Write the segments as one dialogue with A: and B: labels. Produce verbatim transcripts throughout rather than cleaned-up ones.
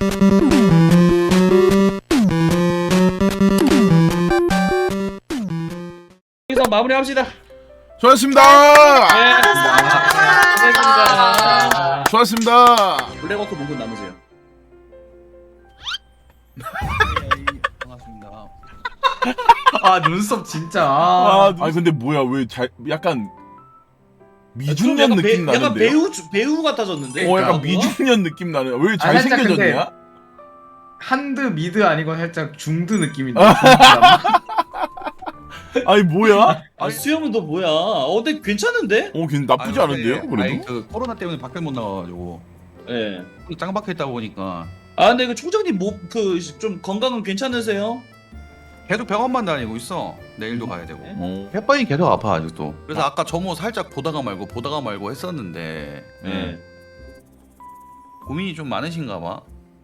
A: 여기서 마무리합시다.
B: 수고하셨습니다.
A: 네, 고생했습니다.
B: 수고하셨습니다.
A: 블랙워크 문군 남으세요.
C: 반갑습니다.
D: 아 눈썹 진짜.
B: 아,
D: 아,
B: 아니 근데 뭐야 왜 잘 약간
A: 좀
B: 미중년
A: 약간
B: 느낌
A: 배, 약간
B: 나는데요?
A: 배우 배우 같아졌는데.
B: 어 약간
A: 그러니까?
B: 미중년 느낌 나는. 왜
D: 아, 살짝
B: 잘생겨졌냐?
D: 한드 미드 아니고 살짝 중드 느낌인데.
B: 아니 뭐야?
A: 아 수염은 너 뭐야? 어 근데 괜찮은데?
B: 어 괜히 나쁘지
C: 아니,
B: 않은데요?
C: 근데,
B: 그래도?
C: 아니, 그 코로나 때문에 밖에 못 나가가지고
A: 예.
C: 짱 박혀있다 보니까
A: 아 근데 그 총장님 뭐 그 좀 건강은 괜찮으세요?
C: 계속 병원만 다니고 있어. 내일도 가야 되고.
B: 어.
C: 햇반이 계속 아파 아직도. 그래서 아까 점호 살짝 보다가 말고 보다가 말고 했었는데
A: 예.
C: 예. 고민이 좀 많으신가 봐.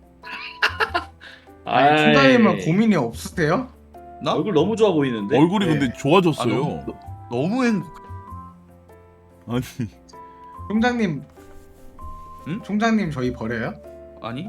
D: 아니
A: 아이,
D: 총장님은 고민이 없으세요?
C: 나?
A: 얼굴 너무 좋아 보이는데.
B: 얼굴이
D: 네.
B: 근데
C: 아,
B: 좋아졌어요.
C: 너무, 너무 행복.
B: 아니
D: 총장님.
C: 응?
D: 총장님 저희 버려요?
C: 아니?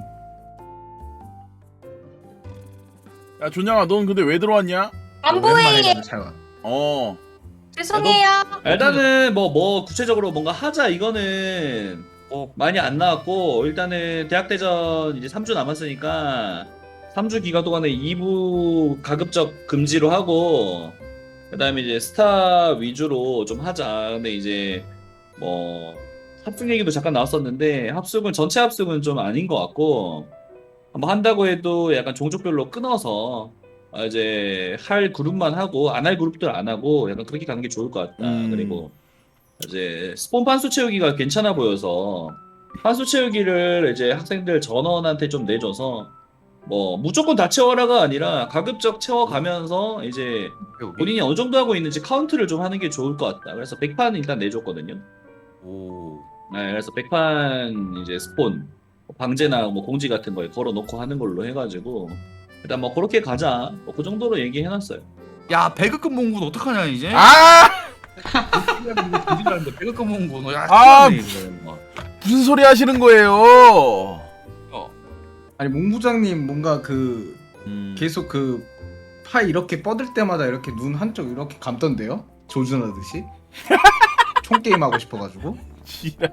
B: 야 존양아 넌 근데 왜 들어왔냐?
E: 안
D: 오랜만에
E: 보여요.
D: 가서 잘 와.
B: 어
E: 죄송해요.
A: 일단은 뭐 뭐 구체적으로 뭔가 하자 이거는 뭐 많이 안 나왔고 일단은 대학대전 이제 삼 주 남았으니까 삼 주 기간 동안에 이 부 가급적 금지로 하고 그다음에 이제 스타 위주로 좀 하자. 근데 이제 뭐 합숙 얘기도 잠깐 나왔었는데 합숙은 전체 합숙은 좀 아닌 것 같고 뭐 한다고 해도 약간 종족별로 끊어서 아, 이제 할 그룹만 하고 안 할 그룹들 안 하고 약간 그렇게 가는 게 좋을 것 같다.
B: 음.
A: 그리고 이제 스폰 판수 채우기가 괜찮아 보여서 판수 채우기를 이제 학생들 전원한테 좀 내줘서 뭐 무조건 다 채워라가 아니라 가급적 채워가면서 이제 본인이 어느 정도 하고 있는지 카운트를 좀 하는 게 좋을 것 같다. 그래서 백 판 일단 내줬거든요.
C: 오.
A: 네, 그래서 백 판 이제 스폰 뭐 방제나 뭐 공지 같은 거에 걸어놓고 하는 걸로 해가지고 일단 뭐 그렇게 가자. 뭐 그 정도로 얘기해놨어요.
C: 야 배급금 몽군 어떡하냐 이제?
B: 아
C: 공지라는데 배급금 몽군. 야
B: 아,
C: 큰일났네, 이거.
B: 무슨 소리 하시는 거예요?
D: 아니 몽부장님 뭔가 그
B: 음.
D: 계속 그 파 이렇게 뻗을 때마다 이렇게 눈 한쪽 이렇게 감던데요? 조준하듯이. 총 게임 하고 싶어가지고.
B: 지랄.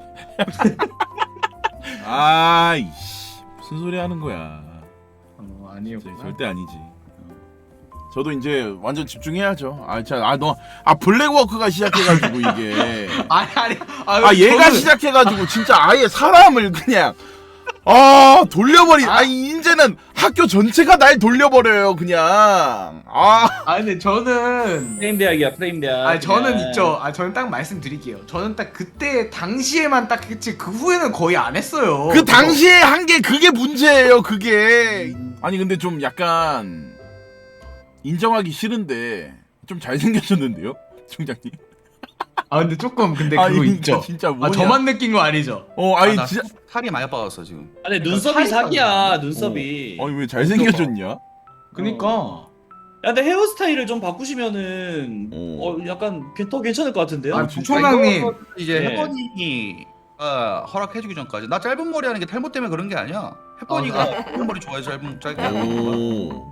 B: 아이씨 무슨 소리 하는 거야?
D: 어 아니었구나.
B: 절대 아니지. 어. 저도 이제 완전 집중해야죠. 아, 자, 아, 너, 아, 블랙워크가 시작해가지고 이게.
D: 아니 아니.
B: 아, 얘가
D: 저는-
B: 시작해가지고 진짜 아예 사람을 그냥, 아, 돌려버리, 아, 이제는 학교 전체가 날 돌려버려요, 그냥. 아,
D: 아 근데 저는
A: 프레임 대학이야, 프레임 대학.
D: 아 저는
A: 그냥.
D: 있죠. 아 저는 딱 말씀드릴게요. 저는 딱 그때 당시에만 딱 했지 그 후에는 거의 안 했어요.
B: 그 당시에 한 게 그게 문제예요, 그게. 아니, 근데 좀 약간, 인정하기 싫은데, 좀 잘생겨졌는데요, 총장님?
D: 아 근데 조금 근데
B: 아,
D: 그거
B: 이거
D: 있죠.
B: 진짜
D: 아
B: 뭐냐?
D: 저만 느낀 거 아니죠?
B: 어,
C: 아,
B: 아니,
C: 나
B: 진짜.
C: 살이 많이 빠졌어 지금.
A: 아니
D: 그러니까
A: 눈썹이
D: 살이
A: 사기야,
D: 빠졌네.
A: 눈썹이.
B: 아니, 왜 잘생겨졌냐?
D: 그니까.
A: 어. 야, 근데 헤어스타일을 좀 바꾸시면은
B: 어.
A: 어, 약간 괜- 더 괜찮을 것 같은데요?
D: 아
B: 진짜
D: 부총장님.
C: 이거 이제
A: 네.
C: 혜번이 아, 허락해주기 전까지 나 짧은 머리 하는 게 탈모 때문에 그런 게 아니야. 혜번이가
D: 아,
C: 짧은 머리 좋아해서 짧은 짧게 하는 거야.
B: 오.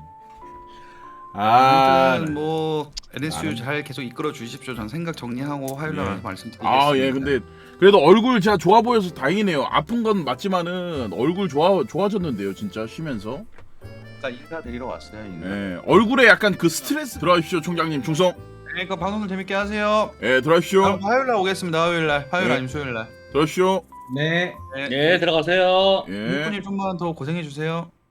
B: 아,
C: 아무튼 뭐 엔에스유
B: 나는-
C: 잘 계속 이끌어 주십시오. 전 생각 정리하고 화요일 날
B: 예.
C: 와서 말씀드리겠습니다.
B: 아, 예, 근데 그래도 얼굴 제가 좋아 보여서 다행이네요. 아픈 건 맞지만은 얼굴 좋아 좋아졌는데요, 진짜 쉬면서.
C: 아까 인사드리러 왔어요. 인사.
B: 예, 얼굴에 약간 그 스트레스 들어가십시오, 총장님 충성.
C: 네, 그 방송을 재밌게 하세요.
B: 예, 들어가십시오.
C: 그럼 화요일 날 오겠습니다. 화요일 날. 화요일
B: 네.
C: 아니면 수요일 날.
B: 들어가십시오.
D: 네.
A: 예, 들어가세요.
B: 예.
C: 민구님 좀만 더 고생해 주세요.